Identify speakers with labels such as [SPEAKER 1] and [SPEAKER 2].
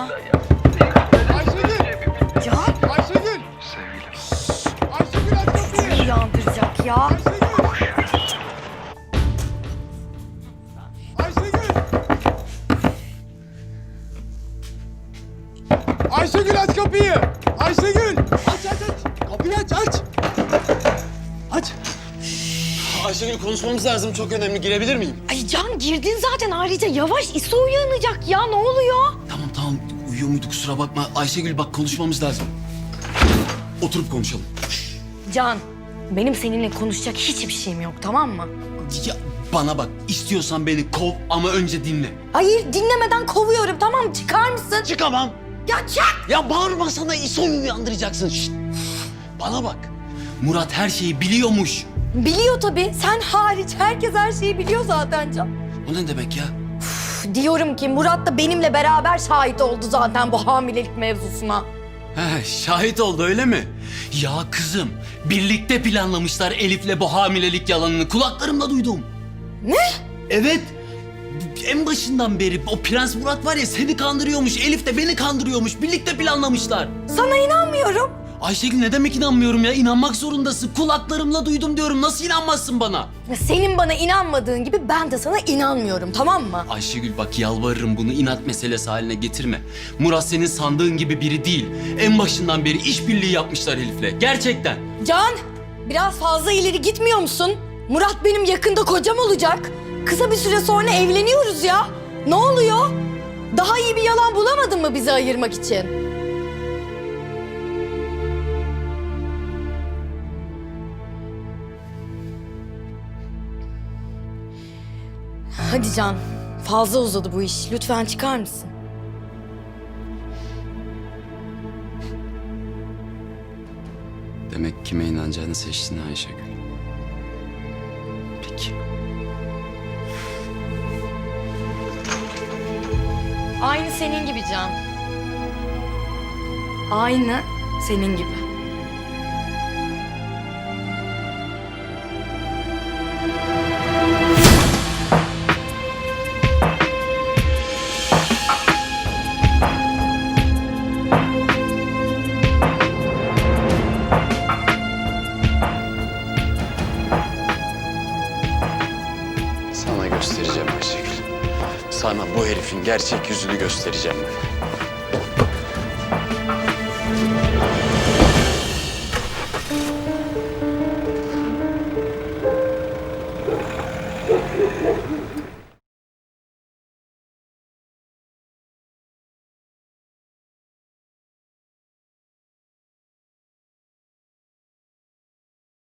[SPEAKER 1] Ayşegül!
[SPEAKER 2] Can
[SPEAKER 1] Ayşegül! Ayşegül aç kapıyı!
[SPEAKER 2] seni uyandıracak ya.
[SPEAKER 1] Ayşegül! Ayşegül aç kapıyı! Ayşegül! Aç! Kapıyı aç! Aç!
[SPEAKER 3] Ayşegül konuşmamız lazım. Çok önemli. Girebilir miyim?
[SPEAKER 2] Ay Can girdin zaten ayrıca yavaş İso uyanacak ya ne oluyor?
[SPEAKER 3] Tamam. Uyuyor muydu? Kusura bakma. Ayşegül bak konuşmamız lazım. Oturup konuşalım.
[SPEAKER 2] Can benim seninle konuşacak hiçbir şeyim yok tamam mı?
[SPEAKER 3] Ya bana bak. İstiyorsan beni kov ama önce dinle.
[SPEAKER 2] Hayır dinlemeden kovuyorum tamam çıkar mısın?
[SPEAKER 3] Çıkamam.
[SPEAKER 2] Ya çık!
[SPEAKER 3] Ya bağırma sana. İso'yu uyandıracaksın. Şşt. Bana bak. Murat her şeyi biliyormuş.
[SPEAKER 2] Biliyor tabii sen hariç herkes her şeyi biliyor zaten Can.
[SPEAKER 3] O ne demek ya?
[SPEAKER 2] Diyorum ki Murat da benimle beraber şahit oldu zaten bu hamilelik mevzusuna.
[SPEAKER 3] He, şahit oldu öyle mi? Ya kızım, birlikte planlamışlar Elif'le bu hamilelik yalanını. Kulaklarımla duydum.
[SPEAKER 2] Ne?
[SPEAKER 3] Evet. En başından beri o Prens Murat var ya seni kandırıyormuş. Elif de beni kandırıyormuş. Birlikte planlamışlar.
[SPEAKER 2] Sana inanmıyorum.
[SPEAKER 3] Ayşegül ne demek inanmıyorum ya? İnanmak zorundasın. Kulaklarımla duydum diyorum. Nasıl inanmazsın bana?
[SPEAKER 2] Ya senin bana inanmadığın gibi ben de sana inanmıyorum tamam mı?
[SPEAKER 3] Ayşegül bak yalvarırım bunu inat meselesi haline getirme. Murat senin sandığın gibi biri değil. En başından beri işbirliği yapmışlar Elif'le. Gerçekten.
[SPEAKER 2] Can biraz fazla ileri gitmiyor musun? Murat benim yakında kocam olacak. Kısa bir süre sonra evleniyoruz ya. Ne oluyor? Daha iyi bir yalan bulamadın mı bizi ayırmak için? Hadi Can, fazla uzadı bu iş. Lütfen çıkar mısın?
[SPEAKER 3] Demek kime inanacağını seçtin Ayşegül. Peki.
[SPEAKER 2] Aynı senin gibi Can. Aynı senin gibi.
[SPEAKER 3] Sana göstereceğim Ayşegül. Sana bu herifin gerçek yüzünü göstereceğim ben.